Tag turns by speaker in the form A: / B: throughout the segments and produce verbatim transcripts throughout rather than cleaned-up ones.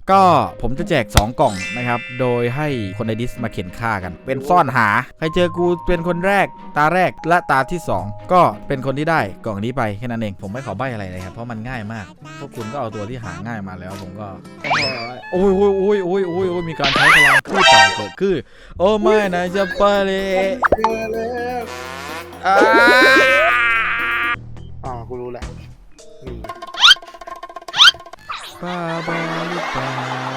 A: ก็ผมจะแจกสองกล่องนะครับโดยให้คนในดิสมาเข็นฆ่ากันเป็นซ่อนหาใครเจอกูเป็นคนแรกตาแรกและตาที่สองก็เป็นคนที่ได้กล่องนี้ไปแค่นั้นเองผมไม่ขอใบ้อะไรเลยครับเพราะมันง่ายมากพวกคุณก็เอาตัวที่หาง่ายมาแล้วผมก็โอ้ยโอ้ยโอ้ยโอ้ยโอ้ยโอ้ยมีการใช้พลังพูดต่อเกิดขึ้นโอ้ไม่นะจะไปเลยอ่า
B: อ๋อกูรู้แหละนี่
A: บ้าบ้าหรือเปล่า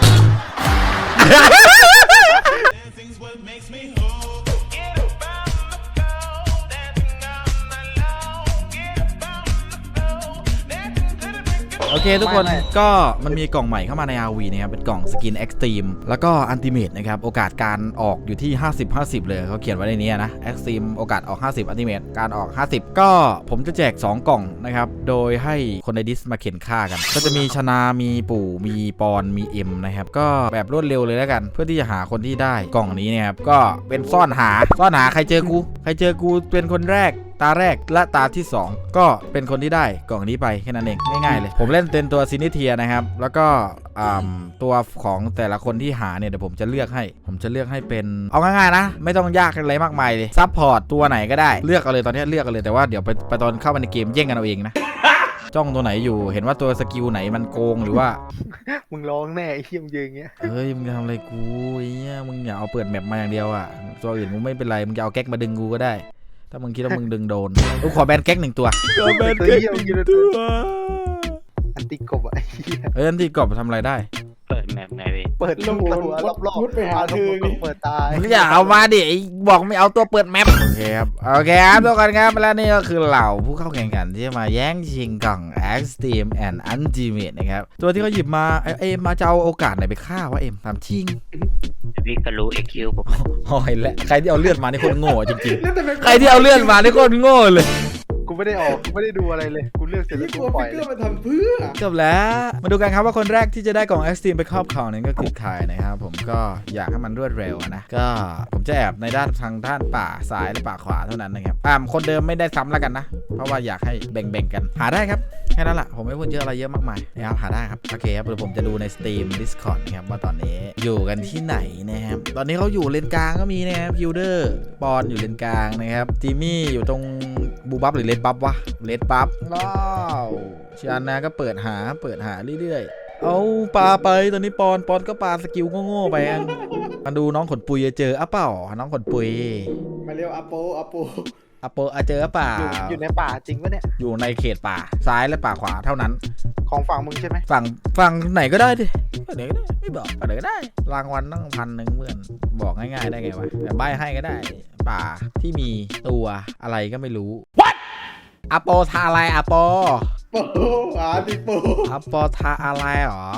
A: โอเคทุกคนก็มันมีกล่องใหม่เข้ามาใน อาร์ วี นะครับเป็นกล่องสกิน Extreme แล้วก็อันติเมตนะครับโอกาสการออกอยู่ที่ ห้าสิบ ห้าสิบ เลยเขาเขียนไว้ในนี้นะ Extreme โอกาสออกห้าสิบอันติเมตการออกห้าสิบก็ผมจะแจกสองกล่องนะครับโดยให้คนในดิสมาเข็นฆ่ากันก็จะมีชนามีปู่มีปอนมีเอ็มนะครับก็แบบรวดเร็วเลยแล้วกันเพื่อที่จะหาคนที่ได้กล่องนี้นะครับก็เป็นซ่อนหาซ่อนหาใครเจอกูใครเจอกูเป็นคนแรกตาแรกและตาที่สองก็เป็นคนที่ได้กล่องนี้ไปแค่นั้นเองง่ายๆเลยผมเล่นเป็นตัวซินิเทียนะครับแล้วก็ตัวของแต่ละคนที่หาเนี่ยเดี๋ยวผมจะเลือกให้ผมจะเลือกให้เป็นเอาง่ายๆนะไม่ต้องยากอะไรมากมายเลยซับพอร์ตตัวไหนก็ได้เลือกเอาเลยตอนนี้เลือกเอาเลยแต่ว่าเดี๋ยวไปไปตอนเข้ามาในเกมแย่งกันเอาเองนะจ้องตัวไหนอยู่เห็นว่าตัวสกิลไหนมันโกงหรือว่า
B: มึงร้องแน่ไอ้เหี้ยมยืนเงี้ย
A: เฮ้ยมึงจะทำอะไรกูไอ้เงี้ยมึงอย่าเอาเปิดแมปมาอย่างเดียวอ่ะตัวอื่นมึงไม่เป็นไรมึงจะเอาแก๊กมาดึงกูก็ได้ถ้ามึงคิดว่ามึงดึงโดนกูขอแบนแก๊กหนึ่งตัวขอแบนแก๊กหนึ่งตัว
B: อันติกบอ่ะ
A: เอ้ยอันติกบทำอะไรได้
C: เปิดแมปไงพี่
B: เปิดลูกตัวรอบๆไปหาเธอเปิดตาย
A: มึงอย่าเอามาดิบอกไม่เอาตัวเปิดแมปโอเคครับโอเคครับทุกคนครับแล้วนี่ก็คือเหล่าผู้เข้าแข่งขันที่มาแย่งชิงกล่อง Extreme and Ultimate นะครับตัวที่เขาหยิบมาเอ็มมาจะเอาโอกาสไหนไปฆ่าวะเอ็มทำชิง
C: พี่ก็รู้ เอ็กซ์ คิว ผม
A: หอยและใครที่เอาเลือดมานี่โคตรโง่จริงๆใครที่เอาเลือดมานี่โคตรโง่เลย
B: กูไม่ได้ออกกูไม่ได้ดูอะไรเลยกูเลือกเสร็จแล้วกูปล่อยเลย
D: มาทำเพื่อ
A: จบแล้วมาดูกันครับว่าคนแรกที่จะได้กล่อง Extreme ไปครอบครองนั้นก็คือใครนะครับผมก็อยากให้มันรวดเร็วนะก็ผมจะแอบในด้านทางด้านป่าซ้ายและป่าขวาเท่านั้นนะครับอ่าคนเดิมไม่ได้ซ้ำแล้วกันนะเพราะว่าอยากให้แบ่งๆกันหาได้ครับแค่นั้นแหละผมไม่พูดเยอะอะไรเยอะมากมายนะครับหาได้ครับโอเคครับเดี๋ยวผมจะดูใน Steam Discord นะครับว่าตอนนี้อยู่กันที่ไหนนะครับตอนนี้เขาอยู่เลนกลางก็มีนะครับฮิลเดอร์ปอนอยู่เลนกลางนะครับจิมมี่อยู่ตรงบูบับหรือเลนบับวะเลนบับว้าวชานาก็เปิดหาเปิดหาเรื่อยๆเอาปลาไปตอนนี้ปอนปอนก็ปลาสกิลโง่ๆไปมาดูน้องขนปุยจะเจออ่ะเปล่าน้องขนปุย
D: มาเร็วอาโปอาโป
A: อาโปอาเจอเปล่า
B: อยู่ในป่าจริงปะเนี่ย
A: อยู่ในเขตป่าซ้ายและป่าขวาเท่านั้น
B: ของฝั่งมึงใช่ไหม
A: ฝั่งฝั่งไหนก็ได้ดิไหนก็ได้ไม่บอกไหนก็ได้รางวัลตั้งพันหนึ่งเหมือนบอกง่ายๆได้ไงวะแต่ใบให้ก็ได้ป่าที่มีตัวอะไรก็ไม่รู้ What อาโปทาอะไรอาโป
D: โปอาติโป
A: อาโปทาอะไรหรอ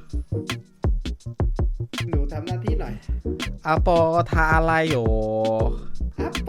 D: หนูทำหน้าที่หน่อย
A: อาโปทาอะไรอยู่
D: อาโป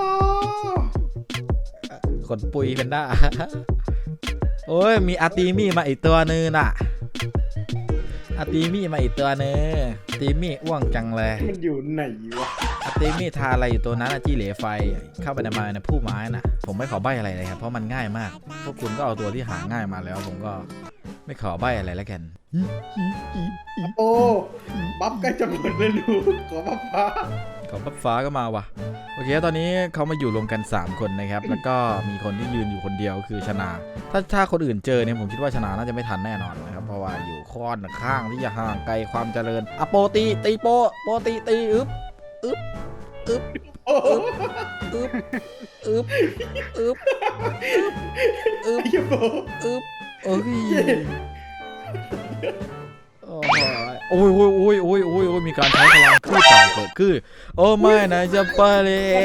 A: ขนปุยเป็นได้โอ้ยมีอาตีมี่มาอีกตัวนึงน่ะอาตีมี่มาอีกตัวนึงอาตีมี่อ้วงจังเลย
D: มันอยู่ไหนวะ
A: อาตีมี่ทาอะไรอยู่ตัวนั้นจี้เหลไฟเข้าไปในมาในผู้ไม้น่ะผมไม่ขอใบ้อะไรเลยครับเพราะมันง่ายมากพวกคุณก็เอาตัวที่หาง่ายมาแล้วผมก็ไม่ขอใบ้อะไรแล้วกัน
D: โอ้บัฟใกล้จะหมดเลยลูกขอบัฟฟ้า
A: ขอบัฟฟ้าก็มาว่ะโอเคตอนนี้เขามาอยู่รวมกันสามคนนะครับแล้วก็มีคนที่ยืนอยู่คนเดียวคือชนาถ้าถ้าคนอื่นเจอเนี่ยผมคิดว่าชนาน่าจะไม่ทันแน่นอนนะครับเพราะว่าอยู่ค่อนข้างที่จะห่างไกลความเจริญอะโปตีตีโปโปตีตีอึ๊บอึ๊บอึ๊บอึ๊บอึ๊บอึ๊บอึ๊บอึ๊บอึ๊บโอ้ยโอ้ยโอ้ยโอ้ยโอ้ยโอ้ยโอ้ยมีการใช้พลังพูดต่อเกิดขึ้นโอ้ไม่นะจะไปเลย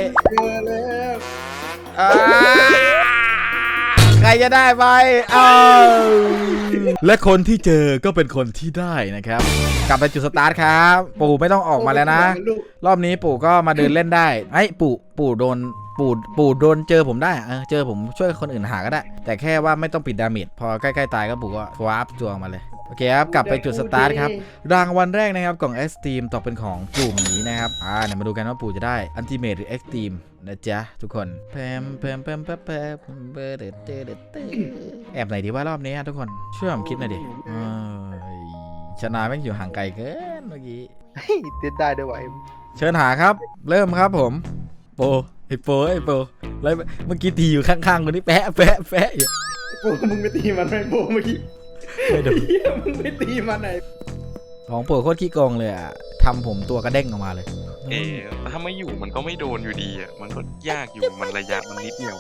A: ใครจะได้ไปเอาและคนที่เจอก็เป็นคนที่ได้นะครับกลับไปจุดสตาร์ทครับปู่ไม่ต้องออกมาแล้วนะรอบนี้ปู่ก็มาเดินเล่นได้ไอ้ปู่ปู่โดนปู่ปู่โดนเจอผมได้เออเจอผมช่วยคนอื่นหาก็ได้แต่แค่ว่าไม่ต้องปิดดาเมจพอใกล้ๆตายก็ปู่ก็วาร์ปจวงมาเลยโอเคครับกลับไปจุดสตาร์ทครับรางวัลแรกนะครับกล่อง Extreme ตกเป็นของปู่หมีนะครับอ่าเดี๋ยวมาดูกันว่าปู่จะได้ Ultimate หรือ Extreme นะจ๊ะทุกคนแพมแพมแพมแพมแพมเบอร์เดเดเดแอบไหนดีว่ารอบนี้ทุกคนช่วยผมคิดหน่อยดิเชนะแม่งอยู่ห่างไกลเกินเมื่อกี้
B: เฮ้ยเต้นได้ด้วยวะเอ็ม
A: เชิญหาครับ เริ่มครับผมโปไอโปไอโปแล้วเมื่อกี้ตีอยู่ข้างๆคนนี้แปะแปะแปะอยู่
D: โอ้มึงไปตีมันไหมโบเมื่อกี้
A: ไม่โดน
D: เหี้ยมึงไปตีมันไหน
A: ของโปโคตรขี้โกงเลยอ่ะทำผมตัวกระเด้งออกมาเลย
E: เออถ้าไม่อยู่มันก็ไม่โดนอยู่ดีอ่ะ มันก็ยากอยู่มันระยะมันนิดเดียว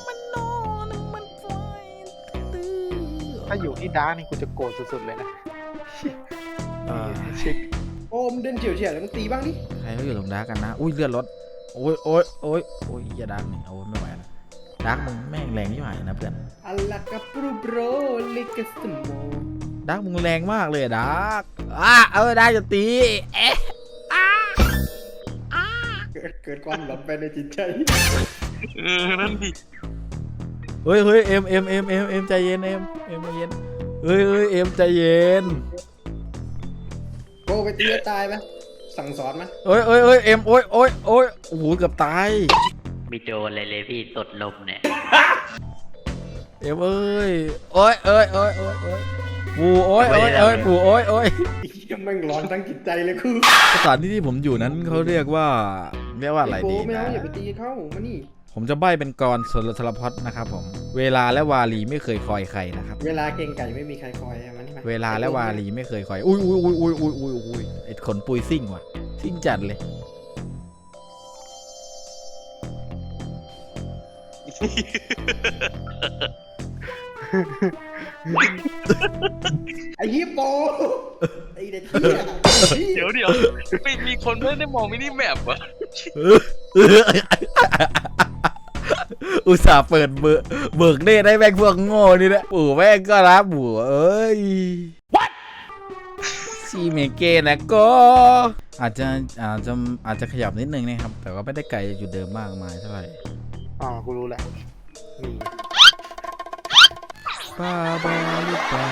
B: ถ้าอยู่ที่ดาร์กนี่กูจะโกรธสุดๆเลยนะ
A: อ่า
B: เช็ค
D: โอ้มงเดินเฉียวเฉียวแล้วมึงตีบ้างดิ
A: ใครเขาอยู่ตรงดาร์กกันนะ อุ้ยเลือดรถโอ้ยโอ้ยโอ้ยโอ้ยอย่าดาร์กนี่โอ้ยไม่ไหวแล้วดาร์กมึงแม่งแรงที่หายนะเพื่อน
D: อัลลากับปรูโบรลิกสโม
A: ดาร์กมึงแรงมากเลยอะดาร์กอ่ะเออได้จะตีเอ๊ะ
D: เกิดเกิดความหลอนไปในจิตใจ
E: เออ นั่นดิ
A: เฮ้ยเฮ้ยเอ็มเอ็มเอ็มเอ็มเอ็มใจเย็นเอ็มเอ็มใจเย็นเฮ้ยเฮ้ยเอ็มใจเย็น
D: โบไปตีแล้วตายไหมสั่งสอนมัน
A: เฮ้ยเฮ้ยเฮ้ยเอ็มโอ้ยโอ้ยโอ้ยโอ้โหเกือบตาย
C: มีโดนเลยเลยพี่ตดลมเนี่ย
A: เอ็มเอ้ยโอ้ยเอ้ยโอ้ยโอ้ยโอ้ยปูโอ้ยโอ้ยโอ้ยปูโอ้ยโอ้ย
D: ไอ้เหี้ยแม่งร้อนทั้งจิตใจเลยคือ
A: สถานที่ที่ผมอยู่นั้นเขาเรียกว่าเรียกว่าอะไร
D: โบ
A: ดี
D: ไม่
A: นะ
D: เอาอย่าไปตีเข้ามานี่
A: ผมจะใบ้เป็นกรสลสลพจน์นะครับผมเวลาและวาลีไม่เคยคอยใครนะครับ
D: เวลาเก่งไก่ไม่มีใครคอยอะมันนี่มา
A: เวลาและวาลีไม่เคยคอยอุ้ยอุ้ยอุ้ยอุ้ยอุ้ยอุ้ยอุ้ยไอ้ขนปุยซิ่งว่ะซิ่งจัดเลย
D: ไอ้เหี้ยโบไอ้เด็กเหี้ย
E: เดี๋ยวเดี๋ยวไม่มีคนไม่ได้มองมินิแมปวะ
A: อุตส่าห์เปิดเบิกเบิกเน่ได้แม่งพวกโง่นี่แหละปู่แม่งก็รับปู่เอ้ย What ซีเมเกนะก็อาจจะอาจจะอาจจะขยับนิดนึงนะครับ แต่ว่าไม่ได้ไกลอยู่เดิมมากมายเท่าไหร่
B: อ๋อกูรู้แหละนี่
A: ป้าบาหรือเปล่า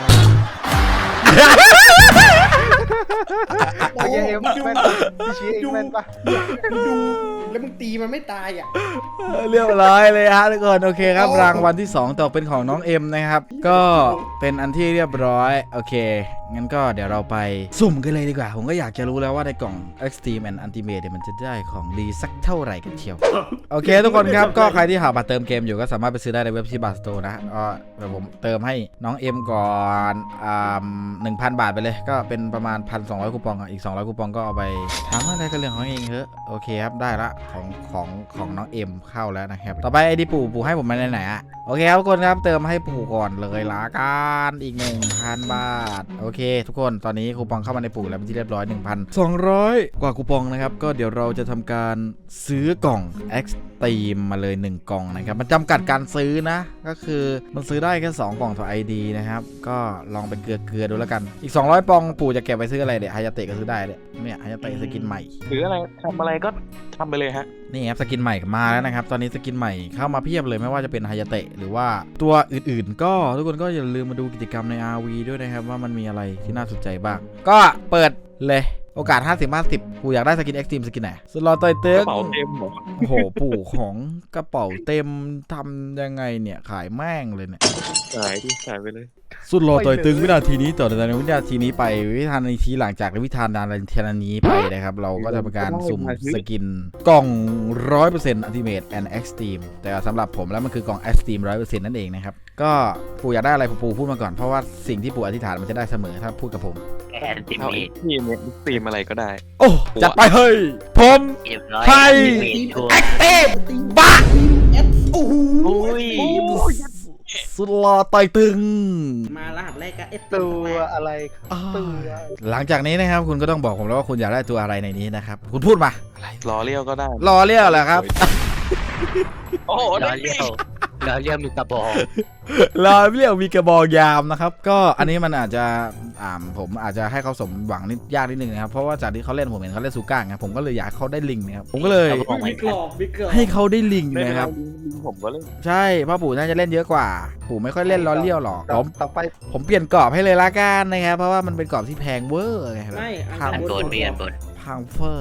B: ไอ้เหี้ยเอ็มแม่นปะพี่ชี้เองแม่นปะ
D: มึงดูแล้วมึงตีมันไม่ตายอ่ะ
A: เรียบร้อยเลยฮะทุกคนโอเคครับรางวัลที่สองตกเป็นของน้องเอ็มนะครับ ก็เป็นอันที่เรียบร้อยโอเคงั้นก็เดี๋ยวเราไปสุ่มกันเลยดีกว่า ผมก็อยากจะรู้แล้วว่าในกล่อง Extreme and Ultimate เนี่ยมันจะได้ของดีสักเท่าไหร่กันเชียวโอเคทุกคนครับก็ใครที่หาบัตรเติมเกมอยู่ก็สามารถไปซื้อได้ในเว็บที่บัตรสโตร์นะก็เดี๋ยวผมเติมให้น้องเอ็มก่อนอ่าหนึ่งพันบาทไปเลยก็เป็นประมาณ หนึ่งพันสองร้อย คูปองอ่ะอีกสองร้อยคูปองก็เอาไปทำอะไรก็เรื่องของเองเถอะโอเคครับได้ละของของของน้องเอ็มเข้าแล้วนะครับต่อไปไอ้ที่ปู่ปู่ให้ผมมาไหนๆอ่ะโอเคครับทุกคนครับเติมให้ปู่ก่อนเลยละกันอีก หนึ่งพัน บาทโอเคทุกคนตอนนี้คูปองเข้ามาในปู่แล้วเป็นที่เรียบร้อย หนึ่งพันสองร้อย กว่าคูปองนะครับก็เดี๋ยวเราจะทำการซื้อกล่อง Extreme มาเลยหนึ่งกล่องนะครับมันจำกัดการซื้อนะก็คือมันซื้อได้แค่สองกล่องต่อ ไอ ดี นะครับก็ลองเป็นเกลือเกลือดูแล้วกันอีกสองร้อยปองปู่จะเก็บไปซื้ออะไรเดี๋ยวฮายาเตะก็ซื้อได้เนี่ยเนี่ยฮายาเตะสกินใหม่
E: หรืออะไรทำอะไรก็ทำไปเลยฮะ
A: นี่ครับสกินใหม่มาแล้วนะครับตอนนี้สกินใหม่เข้ามาเพียบเลยไม่ว่าจะเป็นฮายาเตะหรือว่าตัวอื่นๆ ก็ทุกคนก็อย่าลืมมาดูกิจกรรมใน อาร์ วี ด้วยนะครับว่ามันมีอะไรที่น่าสนใจบ้างก็เปิดเลยโอกาส ห้าสิบ ห้าสิบ กูอยากได้สกิน Extreme สกินไหนสลอตต่อยเต็
E: ก
A: ม
E: ระเป๋าเต็มหมด
A: โอ้โหปู่ของกระเป๋าเต็มทำยังไงเนี่ยขายแม่งเลยเนี่ย
E: ขายดิขายไปเลย
A: สุดรอต่อยตึงวินาทีนี้ต่อจากวินาทีนี้ไปวิธานาทีหลังจากวิธานาทีนี้ไปนะครับเราก็จะเป็นการสุ่มสกินกล่อง ร้อยเปอร์เซ็นต์ Ultimate and Extreme แต่สำหรับผมแล้วมันคือกล่อง Extreme ร้อยเปอร์เซ็นต์ นั่นเองนะครับก็ปู่อยากได้อะไรปู่พูดมาก่อนเพราะว่าสิ่งที่ปู่อธิษฐานมันจะได้เสมอถ้าพูดกับผม
C: แอนติ
E: เอา
C: เม
E: ไอ้
C: ต
E: ทีมเนี่ยตีมอะไรก็ได้
A: โอ้จัดไปเฮ้ยผม
C: เรียบร้อย
A: ใช่
C: เมตทัวร์
A: Extreme บ้า
D: โอ้โห
C: อุ้ย
A: สุดรอต่อยตึง
D: มารหัสแรกก็เอส
B: ตัวอะไรตัว
A: หลังจากนี้นะครับคุณก็ต้องบอกผมแล้วว่าคุณอยากได้ตัวอะไรในนี้นะครับคุณพูดมาอะไร
E: รอเลี้ยวก็ได้
A: รอเรียกเหรอครับ
E: โอ้โห
C: ล้
E: ได้
C: อเลี้ยวล้อเลี้ยวมีกระบอก
A: รอเรียกมีกระบอกยามนะครับก็อันนี้มันอาจจะอ่าผมอาจจะให้เขาสมหวังนิดยากนิดนึงนะครับเพราะว่าจากที่เขาเล่นผมเห็นเขาเล่นซูก้าไงผมก็เลยอยากให้เขาได้ลิงนะครับผมก็เลย
D: วิกรอบวิกรอบ
A: ให้เขาได้ลิง
E: ได้
A: นะครับ
E: ลิงผมก็เล่น
A: ใช่เพราะปู่น่าจะเล่นเยอะกว่า ปู่ไม่ค่อยเล่นล้อเลี้ยวหรอกผม
B: ต่อไป
A: ผมเปลี่ยนกรอบให้เลยละกันนะครับเพราะว่ามันเป็นกรอบที่แพงเวอร์ไง
D: ไม่
A: พัง
C: อันบนมีอันบน
A: พังเฟอร์ไง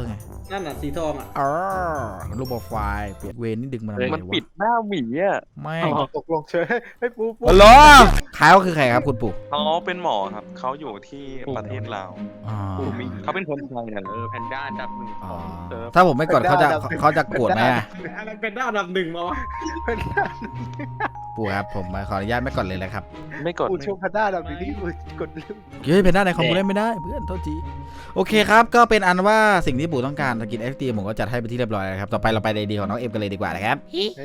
D: นั่นน่ะสีทองอ่ะ
A: อ๋อรูปโปรไฟล์เปลี่ยนเวนนี่ดึงมาทำไม
E: มัน
A: วะ
E: ปิดหน้าหมีอ่ะ
A: ไม่
B: ตกลงเฉยให้ปูปู
A: ฮัลโหลขายก็คือใครครับคุณปู่
E: เขาเป็นหมอครับเขาอยู่ที่ประเทศลาว
A: อ๋อ
E: เขาเป็นคนไทยนะ
F: เออแพนด้าอันดับหนึ่ง
A: อ๋อ
F: ของเซิร์ฟ
A: ถ้าผมไม่กดเขาจะเขาจะโกรธไหมอะ
D: อะไรเป็นด้านอันดับหนึ่งมาวะ
B: เป็นด้า
A: ปู่ครับผมขออนุญาตไม่กดเลยเลยครับ
E: ไม่กด
B: ปูช่วงพันด้าดับนี้กูกดลืม
A: เฮ้ยเป็นหน้าในคอมมูเล่นไม่ได้เพื่อนโทษทีโอเคครับก็เป็นอันว่าสิ่งที่ปู่ต้องการสกิน เอ็กซ์ ที ผมก็จัดให้ไปนที่เรียบร้อยแล้วครับต่อไปเราไปในดีของน้องเอ็มกันเลยดีกว่านะครับ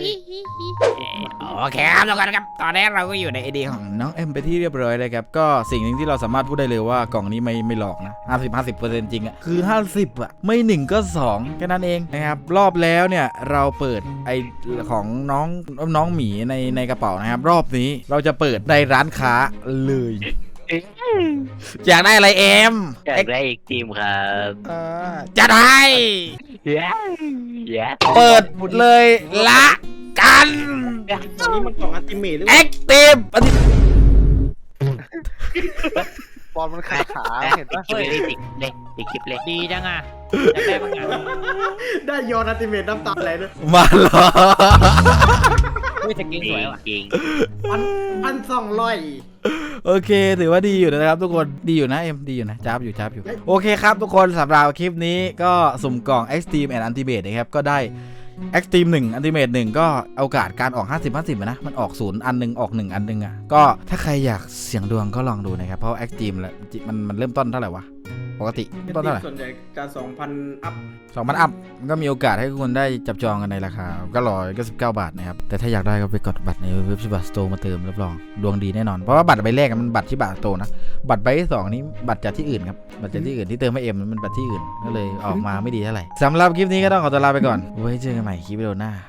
A: โอเคครับทุกคนครับตอนนี้เราก็อยู่ในไอเดียของน้องเอ็มไปที่เรียบร้อยเลยครับก็สิ่งหนึ่งที่เราสามารถพูดได้เลยว่ากล่องนี้ไม่ไม่หลอกนะห้าสิบ ห้าสิบเปอร์เซ็นต์จริงอะคือห้าสิบอะไม่หนึ่งก็สองแค่นั้นเองนะครับรอบแล้วเนี่ยเราเปิดไอของน้องน้องหมีในในกระเป๋านะครับรอบนี้เราจะเปิดในร้านค้าเลยอยากได้อะไรเอ็ม
C: อยากได้อีกทีมครับ
A: เออจัดให้
C: เย้เย้
A: เปิดเลยละกัน
D: อันนี้มันกล่องอัลติเมทหรือเป
A: แอ
D: ล่า
A: คทีฟอันนี้
B: บอลมันขาขาเห็นปะ
C: คลิปเลยติดเลยติดคลิปเลย
F: ดีจังอ่ะอยากได้บางอย่าง
D: ได้โยนอัลติเมทน้ำตาไหลด้วย
A: มาเหรอ
F: อุ้ยสกิน
C: จริ
F: ส
C: ง
F: วยว่ะ
C: จริง
D: พันพันสองร้อย
A: โอเคถือว่าดีอยู่นะครับทุกคนดีอยู่นะเอ็มดีอยู่นะจ้าบอยู่จ้าบอยู่โอเคครับทุกคนสำหรับคลิปนี้ก็สุ่มกล่อง Extreme and Ultimate นะครับก็ได้ Extreme หนึ่ง Ultimate หนึ่งก็โอกาสการออก ห้าสิบ ห้าสิบ นะมันออกศูนย์อันหนึงออกหนึ่งอันหนึงอ่ะก็ถ้าใครอยากเสี่ยงดวงก็ลองดูนะครับเพราะ Extreme แล้วมันมันเริ่มต้นเท่าไหร่วะปกติเริ่มต้นเท่าไหร่
D: ส่วนใหญ่จะสองพันอัพ
A: สองพันอัพมันก็มีโอกาสให้คุณได้จับจองกันในราคาก็ร้อยก็สิบเก้าบาทนะครับแต่ถ้าอยากได้ก็ไปกดบัตรในเว็บชิบะสโตร์มาเติมรับรองดวงดีแน่นอนเพราะว่าบัตรใบแรกมันบัตรชิบะสโตร์นะบัตรใบที่สองนี้บัตรจากที่อื่นครับบัตรจากที่อื่นที่เติมให้เอ็มมันบัตรที่อื่นก็เลยออกมาไม่ดีเท่าไหร่สำหรับคลิปนี้ก็ต้องขอตัวลาไปก่อนไว้เจอกันใหม่คลิปวิดีโอหน้า